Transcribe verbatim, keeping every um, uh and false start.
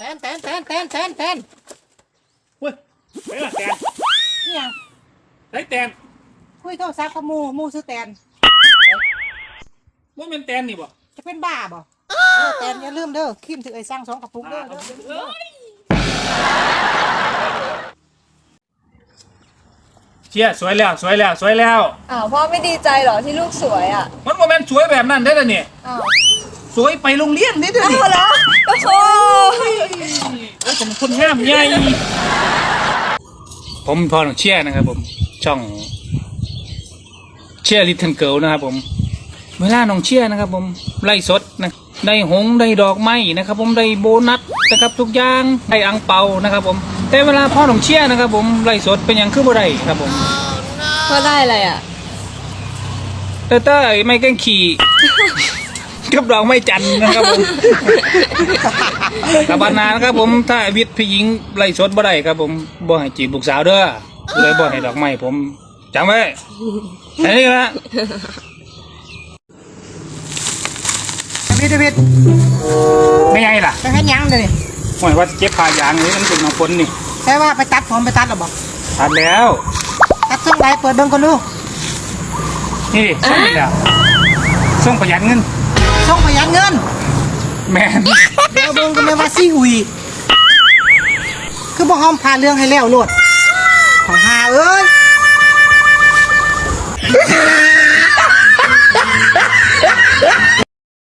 นแตนแตนแตนแตนแตนเว้ยไปละแตนนี่ยังไอ้แตนคุยโทรศัพท์กับหมูหมูซื้อแตนว่าเป็นแตนนี่บ่จะเป็นบ้าบ่เออแตนอย่าลืมเด้อคิมถึงไอ้สร้างสองกระปุกเด้อเด้อเด้อเด้อเชี่ยสวยแล้วสวยแล้วสวยแล้วอ้าวพ่อไม่ดีใจเหรอที่ลูกสวยอ่ะมันโมเมนต์สวยแบบนั้นได้แล้วเนี่ยอ้าวสวยไปโรงเรียนได้ด้วยอ้านี่วเหรอโอ้โหโอ้ยผมคนงามใหญ่ผมพอหนองเชี่ยนะครับผมช่องเชี่ยลิทเทิลเกิลนะครับผมเวลาน้องเชี่ยนะครับผมไล่สดนะได้หงได้ดอกไม้นะครับผมได้โบนัสนะครับทุกอย่างได้อังเปานะครับผมแต่เวลาพ่อน้องเชี่ยนะครับผมไล่สดเป็นอย่างคือบ่ได้ครับผมพ่อได้อะไรอ่ะเต้เต้ยไม่แกล้งขี่ กับดอกไม้จันทร์นะครับผมกับบานนานะครับผมถ้าวิทย์พี่หญิงไล่สดบ่ได้ครับผมบ่ให้จีบลูกสาวเด้อเลยบ่ให้ดอกไม้ผมจำไว้อันนี้ละเดวิดเดวิดไม่ไงล่ะไปให้ยังเด้อนี่หมายว่าจะเก็บผ้ายางนี่มันเป็นน้ำฝนนี่แค่ว่าไปตัดผมไปตัดหรอบอกตัดแล้วตัดช่องไหนเปิดเบิ่งก่อนดูนี่ส่งนี่แหละส่งประหยัดเงินช่องประหยัดเงินแม่นเดี๋ยวเบิ่งก็ไม่ว่าซี่หุยคือบ่หอมพาเรื่องให้แล้วโลดของหาเอ้ย